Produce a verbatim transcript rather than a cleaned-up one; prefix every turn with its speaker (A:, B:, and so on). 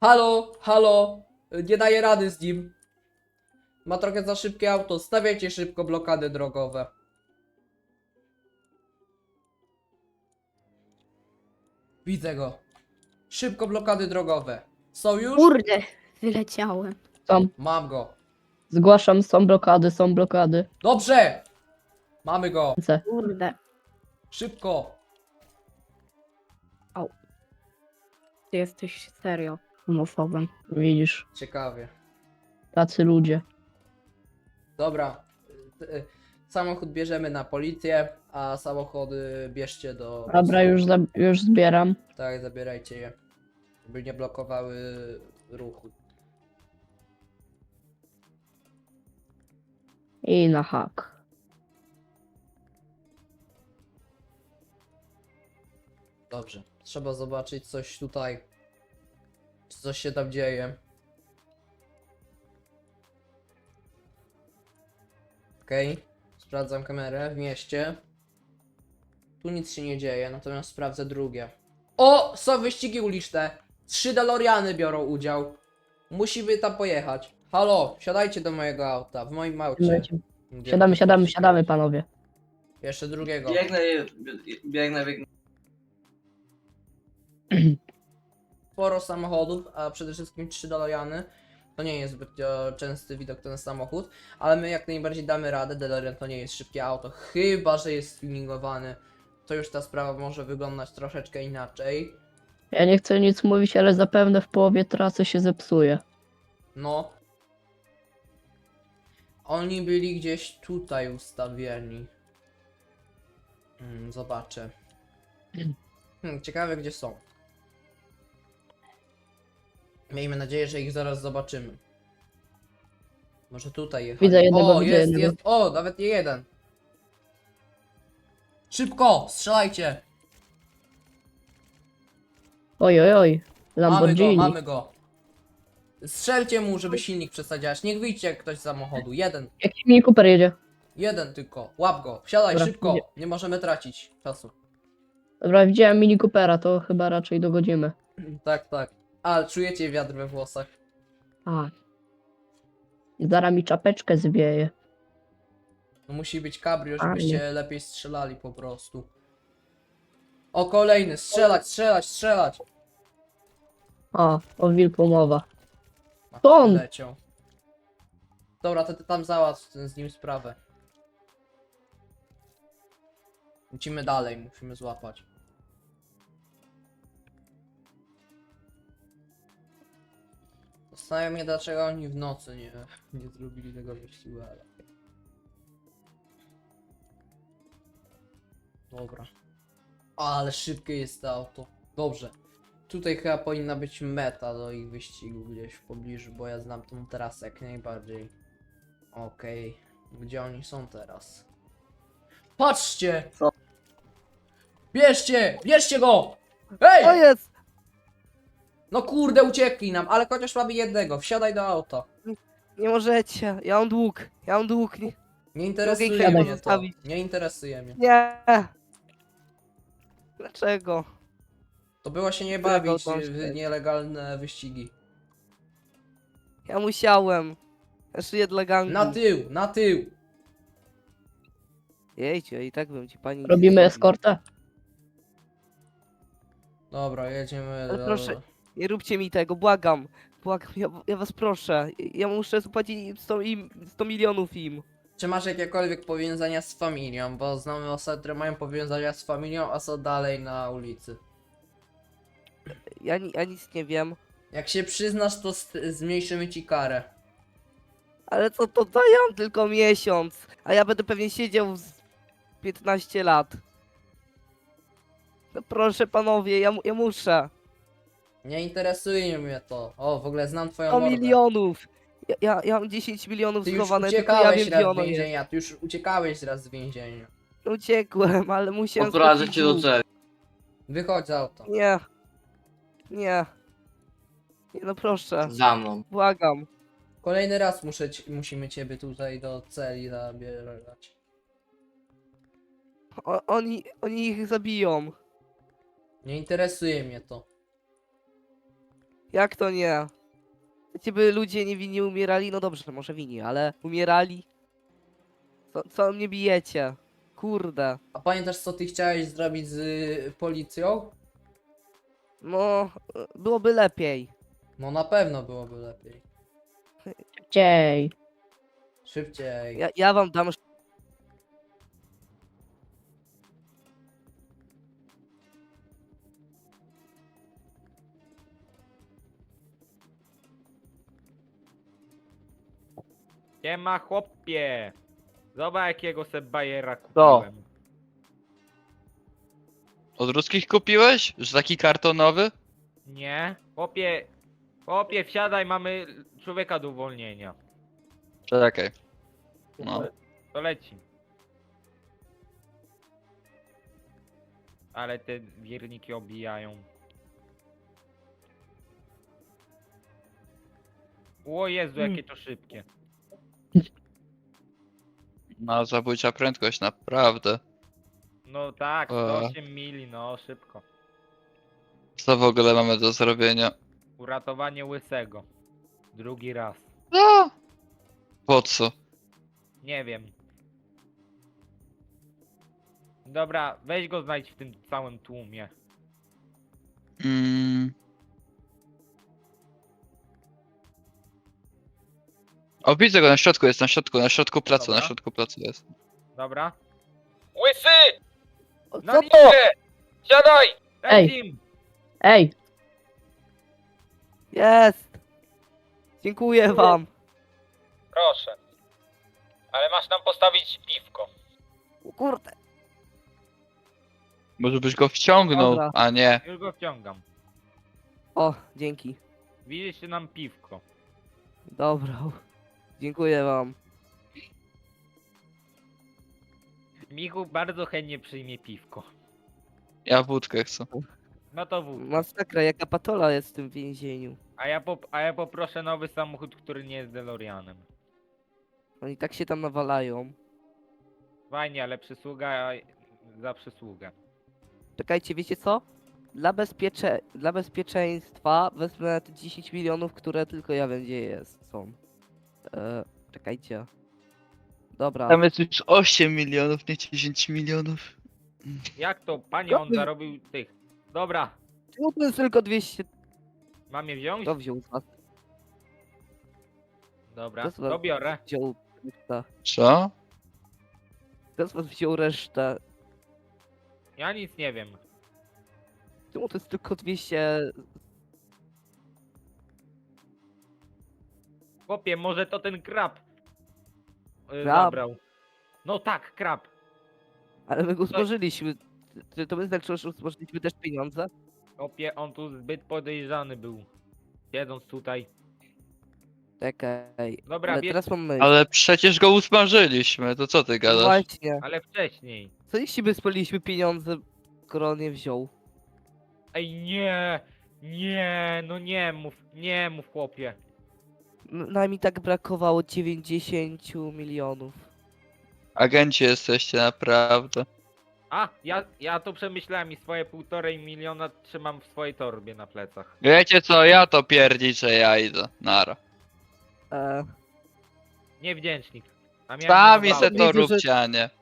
A: Halo, halo, nie daję rady z nim. Ma trochę za szybkie auto, stawiajcie szybko blokady drogowe. Widzę go. Szybko blokady drogowe. Są już?
B: Kurde, wyleciałem.
C: Są.
A: Mam go.
C: Zgłaszam, są blokady, są blokady.
A: Dobrze! Mamy go.
C: Ręce.
B: Kurde.
A: Szybko.
B: Ty jesteś serio homofobem.
C: Widzisz,
A: Ciekawie.
C: tacy ludzie.
A: Dobra. y, y, Samochód bierzemy na policję, a samochody bierzcie do...
C: Dobra, już, za, już zbieram.
A: Tak, zabierajcie je. Żeby nie blokowały ruchu.
C: I na hak.
A: Dobrze. Trzeba zobaczyć coś tutaj. Czy coś się tam dzieje. Okej. Sprawdzam kamerę w mieście. Tu nic się nie dzieje, natomiast sprawdzę drugie. O! Są wyścigi uliczne. Trzy DeLoreany biorą udział. Musimy tam pojechać. Halo, wsiadajcie do mojego auta. W moim aucie.
C: Siadamy,
A: Gdzie-
C: siadamy, siadamy, siadamy, panowie.
A: Jeszcze drugiego.
D: Biegnę, biegnę, biegnę.
A: Sporo samochodów, a przede wszystkim trzy DeLoreany. To nie jest zbyt e, częsty widok ten samochód, ale my jak najbardziej damy radę. DeLorean to nie jest szybkie auto, chyba że jest tuningowany. To już ta sprawa może wyglądać troszeczkę inaczej.
C: Ja nie chcę nic mówić, ale zapewne w połowie trasy się zepsuje.
A: No. Oni byli gdzieś tutaj ustawieni. Hmm, zobaczę. Hmm, ciekawe gdzie są. Miejmy nadzieję, że ich zaraz zobaczymy. Może tutaj jechali.
C: Widzę jednego,
A: O,
C: widzę
A: jest,
C: jednego.
A: jest. O, nawet nie jeden. Szybko, strzelajcie.
C: Oj, oj, oj.
A: Mamy go,
C: Lamborghini.
A: mamy go. Strzelcie mu, żeby silnik przestał działać. Niech wyjdzie ktoś z samochodu. Jeden.
C: Jaki Mini Cooper jedzie?
A: Jeden tylko. Łap go. Wsiadaj
C: Dobra,
A: szybko.
C: idzie.
A: Nie możemy tracić czasu.
C: Dobra, widziałem Mini Coopera, to chyba raczej dogodzimy.
A: Tak, tak. Ale czujecie wiatr we włosach.
C: A. Zaraz mi czapeczkę zwieje.
A: No musi być cabrio,
C: Fajnie.
A: żebyście lepiej strzelali po prostu. O, kolejny. Strzelać, strzelać, strzelać.
C: A, o wilku mowa.
A: A,
C: To on.
A: leciał. Dobra, to ty tam załatw z nim sprawę. Musimy dalej, musimy złapać. Zastanawiam mnie, dlaczego oni w nocy nie, nie zrobili tego wyścigu, ale... Dobra. Ale szybkie jest to auto. Dobrze. Tutaj chyba powinna być meta do ich wyścigu gdzieś w pobliżu, bo ja znam tą trasę jak najbardziej. Okej. Gdzie oni są teraz? Patrzcie!
D: Co?
A: Bierzcie! Bierzcie go! Hej!
D: To jest!
A: No kurde, uciekli nam, ale chociaż mamy jednego. Wsiadaj do auta.
D: Nie możecie, ja mam dług, ja mam dług. Nie.
A: Nie interesuje
D: Mogę ich
A: mnie to.
D: zostawić.
A: Nie interesuje mnie.
D: nie. Dlaczego?
A: To było się nie
D: Którego
A: bawić
D: tam
A: w
D: się-
A: nielegalne wyścigi.
D: Ja musiałem. Ja szyję dla gangu.
A: Na tył, na tył!
D: Jejcie, i tak bym ci pani... nie
C: Robimy
D: zrobił.
C: eskortę?
A: Dobra, jedziemy
D: Ale
A: do...
D: proszę. Nie róbcie mi tego, błagam. Błagam, ja, ja was proszę. Ja muszę zapłacić sto, im, sto milionów im.
A: Czy masz jakiekolwiek powiązania z familią? Bo znamy osoby, które mają powiązania z familią, a są dalej na ulicy.
D: Ja, ni- ja nic nie wiem.
A: Jak się przyznasz, to st- zmniejszymy ci karę.
D: Ale co to dają tylko miesiąc, a ja będę pewnie siedział z piętnaście lat. No proszę panowie, ja, mu- ja muszę.
A: Nie interesuje mnie to. O, w ogóle znam twoją
D: sto
A: mordę.
D: milionów. Ja, ja, ja mam dziesięć milionów
A: Ty już
D: schowane, tylko ja
A: uciekałeś
D: wiem gdzie
A: raz z
D: ono jest.
A: więzienia, ty już uciekałeś raz z więzienia.
D: Uciekłem, ale musiałem
E: Odprowadzę
D: spłacić
E: cię do
D: dług.
E: celi.
A: Wychodź z auta.
D: Nie. Nie. Nie no proszę,
E: Za mną.
D: błagam.
A: Kolejny raz muszę ci, musimy ciebie tutaj do celi zabierać.
D: O, oni, oni ich zabiją.
A: Nie interesuje mnie to.
D: Jak to nie? Chcecie, by ludzie niewinni umierali? No dobrze, może winni, ale umierali? Co, co mnie bijecie? Kurde.
A: A pamiętasz, co ty chciałeś zrobić z y, policją?
D: No, e, byłoby lepiej.
A: No na pewno byłoby lepiej.
C: Dziej.
A: Szybciej.
D: Ja, ja wam dam.
E: Nie ma chłopie. Zobacz jakiego se bajera
D: Co?
E: kupiłem.
F: Od ruskich kupiłeś? Że taki kartonowy?
E: Nie? Chłopie, chłopie wsiadaj, mamy człowieka do uwolnienia.
F: Czekaj. No.
E: To leci. Ale te wierniki obijają. O Jezu, jakie to szybkie.
F: No, zabójcza prędkość, naprawdę.
E: No tak,
F: O.
E: sto osiem mili, no szybko.
F: Co w ogóle mamy do zrobienia?
E: Uratowanie łysego. Drugi raz.
F: No! Po co?
E: Nie wiem. Dobra, weź go znajdź w tym całym tłumie.
F: Mm. O, widzę go na środku, jest na środku, na środku placu, na
E: Dobra.
F: środku placu jest.
E: Dobra. Łysy!
D: O,
E: Na
D: co to?
E: linię! Siadaj!
C: Ej.
E: Lecim!
C: Ej,
D: Jest! Dziękuję wam.
E: Proszę. Ale masz nam postawić piwko.
D: O kurde.
F: Może byś go wciągnął,
D: Dobra.
F: a nie.
E: Już go wciągam.
D: O, dzięki.
E: Widzicie nam piwko.
D: Dobra. Dziękuję wam.
E: Michu bardzo chętnie przyjmie piwko.
F: Ja wódkę chcę.
E: No to wód.
D: Masakra, jaka patola jest w tym więzieniu.
E: A ja, pop a ja poproszę nowy samochód, który nie jest DeLoreanem.
D: Oni tak się tam nawalają.
E: Fajnie, ale przysługa za przysługę.
D: Czekajcie, wiecie co? Dla, bezpiecze... Dla bezpieczeństwa wezmę te dziesięć milionów, które tylko ja wiem gdzie jest, są. E, czekajcie. Dobra.
F: Tam jest już osiem milionów, nie dziesięć milionów.
E: Jak to, panie, on
D: Dobry.
E: zarobił tych. Dobra,
D: Czemu to jest tylko dwieście?
E: mam je wziąć?
D: Kto wziął z was?
E: Dobra,
D: To z was
E: to biorę.
D: wziął resztę?
F: Co?
D: Kto z was wziął resztę?
E: Ja nic nie wiem.
D: Czemu to jest tylko dwieście?
E: Chłopie, może to ten krab. y,
D: Krab?
E: Zabrał. No tak, krab.
D: Ale my go złożyliśmy. Czy to my znaczy, że złożyliśmy też pieniądze?
E: Chłopie, on tu zbyt podejrzany był. Siedząc tutaj.
D: Czekaj.
E: Dobra,
D: Ale
E: bierz,
D: teraz mam myśl.
F: Ale przecież go usmażyliśmy, to co ty
D: No
F: gadasz?
D: właśnie.
E: ale wcześniej.
D: Co jeśli by spaliliśmy pieniądze, skoro on nie wziął?
E: Ej, nie! Nie, no nie mów, nie mów, chłopie.
D: N- Nam i tak brakowało dziewięćdziesiąt milionów.
F: Agenci jesteście, naprawdę.
E: A, ja, ja to przemyślałem i swoje półtorej miliona trzymam w swojej torbie na plecach.
F: Wiecie co, ja to pierdziczę, ja idę. Nara.
D: E,
E: Niewdzięcznik. A miałem
F: Sami
E: na
F: se
E: bałdę.
F: to
D: Widzę, że-
F: róbcie, a nie.